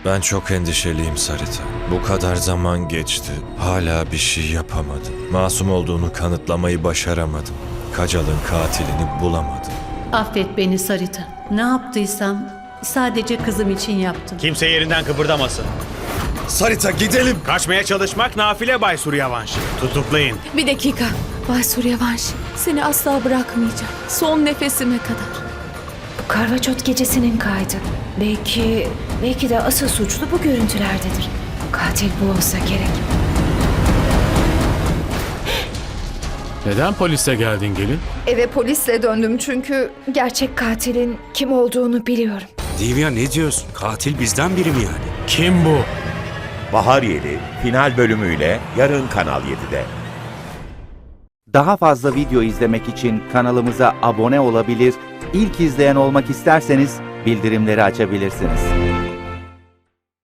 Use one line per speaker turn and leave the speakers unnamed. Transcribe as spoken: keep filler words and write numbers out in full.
Ben çok endişeliyim Sarita. Bu kadar zaman geçti. Hala bir şey yapamadım. Masum olduğunu kanıtlamayı başaramadım. Kacal'ın katilini bulamadım.
Affet beni Sarita. Ne yaptıysam sadece kızım için yaptım.
Kimse yerinden kıpırdamasın.
Sarita gidelim.
Kaçmaya çalışmak nafile Bay Suryavanshi. Tutuklayın.
Bir dakika. Bay Suryavanshi, seni asla bırakmayacağım. Son nefesime kadar.
Bu Karvaçot gecesinin kaydı. Belki, belki de asıl suçlu bu görüntülerdedir. Katil bu olsa gerek.
Neden polise geldin gelin?
Eve polisle döndüm çünkü gerçek katilin kim olduğunu biliyorum.
Divya ne diyorsun? Katil bizden biri mi yani?
Kim bu?
Bahar Yeli final bölümüyle yarın Kanal yedide.
Daha fazla video izlemek için kanalımıza abone olabilir, ilk izleyen olmak isterseniz bildirimleri açabilirsiniz.